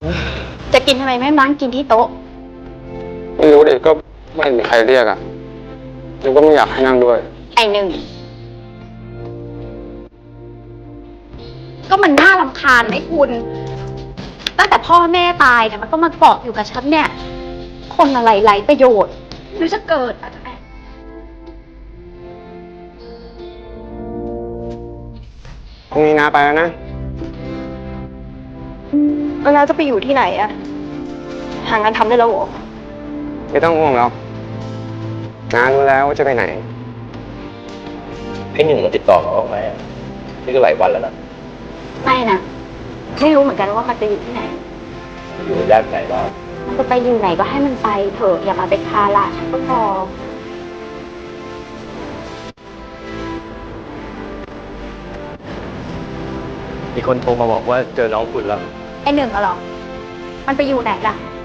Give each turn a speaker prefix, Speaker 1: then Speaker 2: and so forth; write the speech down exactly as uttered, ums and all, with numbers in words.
Speaker 1: จะกินทำไมไม่นั่งกินที่โต๊ะ
Speaker 2: ไม่รู้ดิก็ไม่มีใครเรียกอ่ะแล้วก็ไม่อยากให้นั่งด้วย
Speaker 1: ไอหนึ่งก็มันน่ารำคาญไหมคุณ ตั้งแต่พ่อแม่ตายเนี่ยมันก็มาเกาะอยู่กับฉันเนี่ย คนอะไรไร้ประโยชน์หรือจะเกิดอะไร
Speaker 2: พรุ่งนี้น้าไปแล้วนะ
Speaker 1: แล้วน้าจะไปอยู่ที่ไหนอะหางานทำได้แล้วเหรอ
Speaker 2: ไม่ต้องห่วงหรอกน้ารู้แล้วว่าจะไปไหน
Speaker 3: ไอ้หนึ่งมันติดต่อเขาออกไหมนี่ก็หลายวันแล้วนะ
Speaker 1: ไม่นะไม่รู้เหมือนกันว่ามันจะอยู่ที่ไหน
Speaker 3: อยู่ย่านไหนบ้าง
Speaker 1: มันจะไปอยู่ไหนก็ให้มันไปเถอะอย่ามาเป็นภาระฉันก็พอ
Speaker 3: มีคนโทรมาบอกว่าเจอน้องคุณแล้ว
Speaker 1: ไอหนึ่งอะเหรอ มันไปอยู่ไหนล่ะ